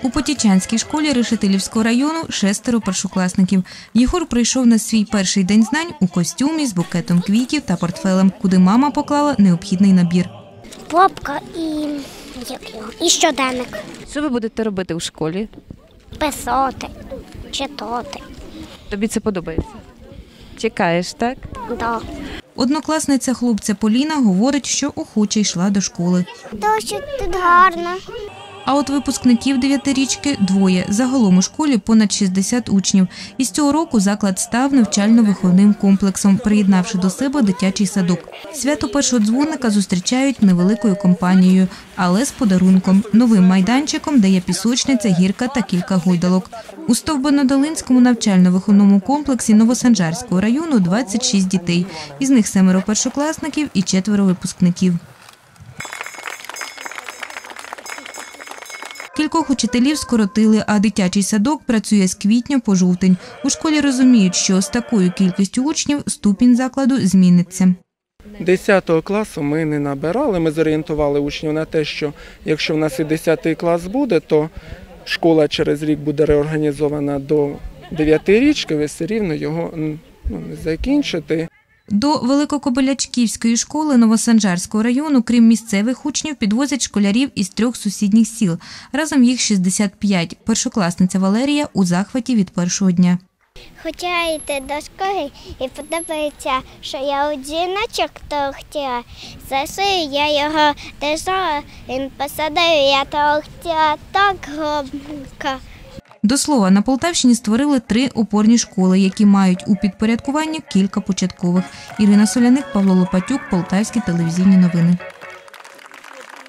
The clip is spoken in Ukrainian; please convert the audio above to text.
У Потічанській школі Решетилівського району 6 першокласників. Єгор прийшов на свій перший день знань у костюмі з букетом квітів та портфелем, куди мама поклала необхідний набір. Папка і щоденник. Що ви будете робити у школі? Писати, читати. Тобі це подобається? Чекаєш, так? Да. Однокласниця хлопця Поліна говорить, що охоче йшла до школи. Дуже тут гарно. А от випускників 9-річки – двоє. Загалом у школі понад 60 учнів. Із цього року заклад став навчально-виховним комплексом, приєднавши до себе дитячий садок. Свято першого дзвоника зустрічають невеликою компанією, але з подарунком – новим майданчиком, де є пісочниця, гірка та кілька гойдалок. У Стовбино-Долинському навчально-виховному комплексі Новосанжарського району 26 дітей. Із них 7 першокласників і 4 випускників. Кількох учителів скоротили, а дитячий садок працює з квітня по жовтень. У школі розуміють, що з такою кількістю учнів ступінь закладу зміниться. 10 класу ми не набирали, ми зорієнтували учнів на те, що якщо в нас і 10 клас буде, то школа через рік буде реорганізована до 9-річки, ви все рівно його не закінчите. До Великокобилячківської школи Новосанжарського району, крім місцевих учнів, підвозять школярів із 3 сусідніх сіл. Разом їх 65. Першокласниця Валерія у захваті від першого дня. Хотіла йти до школи і подобається, що я у дзвіночок хотіла. Засую, я його держала, він посадив, я хотіла так громко. До слова, на Полтавщині створили 3 опорні школи, які мають у підпорядкуванні кілька початкових. Ірина Соляник, Павло Лопатюк, Полтавські телевізійні новини.